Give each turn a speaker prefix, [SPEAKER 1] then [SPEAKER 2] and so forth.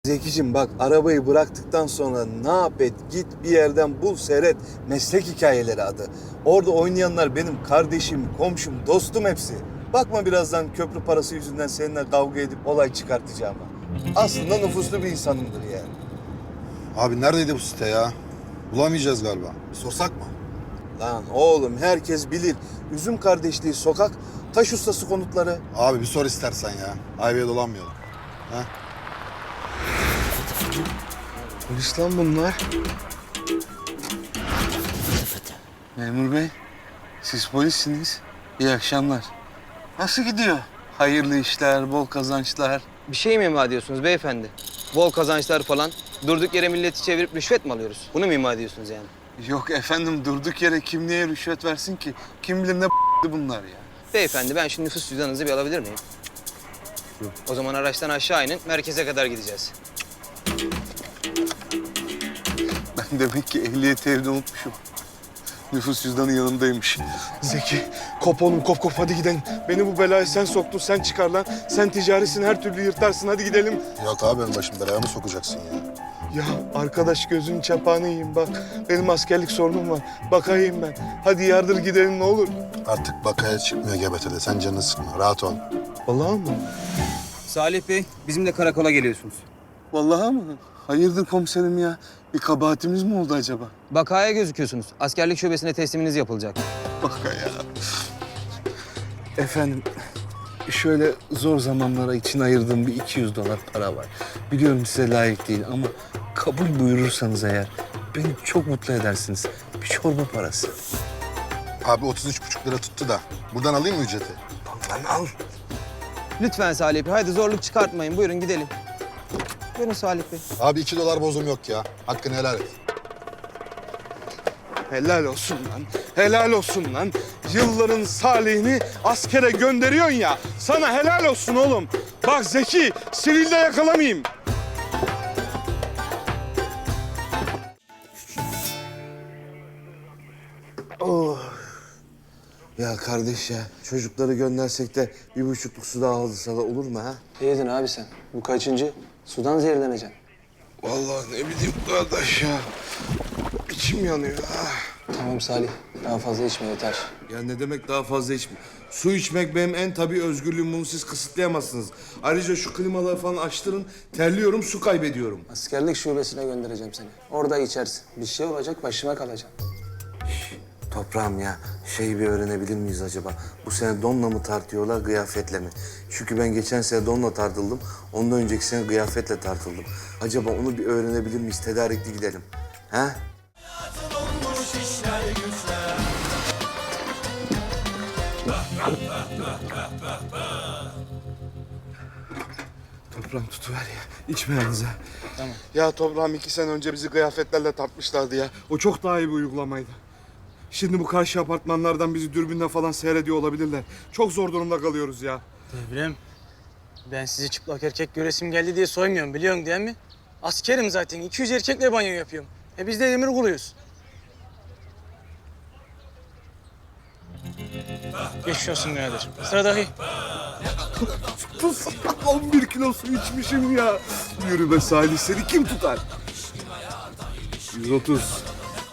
[SPEAKER 1] Zekicim bak, arabayı bıraktıktan sonra ne yap et, git bir yerden bul, seyret. Meslek hikayeleri adı. Orada oynayanlar benim kardeşim, komşum, dostum hepsi. Bakma birazdan köprü parası yüzünden seninle kavga edip olay çıkartacağıma. Aslında nüfuslu bir insanımdır yani.
[SPEAKER 2] Abi neredeydi bu site ya? Bulamayacağız galiba. Bir sorsak mı?
[SPEAKER 1] Lan oğlum, herkes bilir. Üzüm Kardeşliği Sokak, Taş Ustası Konutları.
[SPEAKER 2] Abi bir sor istersen ya. Ayvaya dolanmayalım. Ha?
[SPEAKER 1] Polis lan bunlar. Memur bey, siz polissiniz. İyi akşamlar. Nasıl gidiyor? Hayırlı işler, bol kazançlar.
[SPEAKER 3] Bir şey mi ima ediyorsunuz beyefendi? Bol kazançlar falan. Durduk yere milleti çevirip rüşvet mi alıyoruz? Bunu mu ima ediyorsunuz yani?
[SPEAKER 1] Yok efendim, durduk yere kim niye rüşvet versin ki? Kim bilir ne bunlar ya.
[SPEAKER 3] Beyefendi ben şu nüfus cüzdanınızı bir alabilir miyim?
[SPEAKER 1] Yok.
[SPEAKER 3] O zaman araçtan aşağı inin, merkeze kadar gideceğiz.
[SPEAKER 1] Ben demek ki ehliyeti evde unutmuşum. Nüfus cüzdanı yanımdaymış. Zeki, kop oğlum, kop hadi gidelim. Beni bu belaya sen soktun, sen çıkar lan. Sen ticarisin, her türlü yırtarsın, hadi gidelim.
[SPEAKER 2] Yok abi benim başım belaya mı sokacaksın ya?
[SPEAKER 1] Ya arkadaş, gözünün çapağını yiyeyim bak. Benim askerlik sorunum var. Bakayım ben. Hadi yardır gidelim ne olur.
[SPEAKER 2] Artık bakaya çıkmıyor GBT'de. Sen canını sıkma. Rahat ol.
[SPEAKER 1] Vallahi mı?
[SPEAKER 3] Salih Bey, bizimle karakola geliyorsunuz.
[SPEAKER 1] Vallahi mı? Hayırdır komiserim ya? Bir kabahatimiz mi oldu acaba?
[SPEAKER 3] Bakaya gözüküyorsunuz. Askerlik şubesine tesliminiz yapılacak.
[SPEAKER 1] Baka ya. Efendim, şöyle zor zamanlara için ayırdığım bir 200 dolar para var. Biliyorum size layık değil ama kabul buyurursanız eğer beni çok mutlu edersiniz. Bir çorba parası.
[SPEAKER 2] Abi 33,5 lira tuttu da. Buradan alayım mı ücreti?
[SPEAKER 1] Lan al.
[SPEAKER 3] Lütfen Salih Bey, hadi zorluk çıkartmayın. Buyurun gidelim. Buyurun Salih Bey.
[SPEAKER 2] Abi 2 dolar bozum yok ya. Hakkını helal et.
[SPEAKER 1] Helal olsun lan. Helal olsun lan. Yılların salihini askere gönderiyorsun ya. Sana helal olsun oğlum. Bak Zeki, sivilde yakalamayayım. Oh. Ya kardeş ya, çocukları göndersek de 1,5'luk su daha alırsa da olur mu ha?
[SPEAKER 3] Ne yedin abi sen? Bu kaçıncı? Sudan zehirleneceksin.
[SPEAKER 1] Vallahi ne bileyim kardeş ya. İçim yanıyor ha.
[SPEAKER 3] Tamam Salih, daha fazla içme yeter.
[SPEAKER 1] Ya ne demek daha fazla içme? Su içmek benim en tabii özgürlüğüm. Bunu siz kısıtlayamazsınız. Ayrıca şu klimaları falan açtırın. Terliyorum, su kaybediyorum.
[SPEAKER 3] Askerlik şubesine göndereceğim seni. Orada içersin. Bir şey olacak, başıma kalacaksın.
[SPEAKER 1] Toprağım ya, bir öğrenebilir miyiz acaba? Bu sene donla mı tartıyorlar, kıyafetle mi? Çünkü ben geçen sene donla tartıldım. Ondan önceki sene kıyafetle tartıldım. Acaba onu bir öğrenebilir miyiz? Tedarikli gidelim. Ha? Toprağım tutuver ya. İçme yalnız ha.
[SPEAKER 3] Tamam.
[SPEAKER 1] Ya toprağım 2 sene önce bizi kıyafetlerle tartmışlardı ya. O çok daha iyi bir uygulamaydı. Şimdi bu karşı apartmanlardan bizi dürbünle falan seyrediyor olabilirler. Çok zor durumda kalıyoruz ya.
[SPEAKER 4] Devrem, ben sizi çıplak erkek göresim geldi diye soymuyorum biliyorsun değil mi? Askerim zaten, 200 erkekle banyo yapıyorum. Biz de emir kuluyuz. Geçmiş olsun birader. Sıradaki.
[SPEAKER 1] 11 kilo su içmişim ya. Yürü be Salih, seni kim tutar? 130.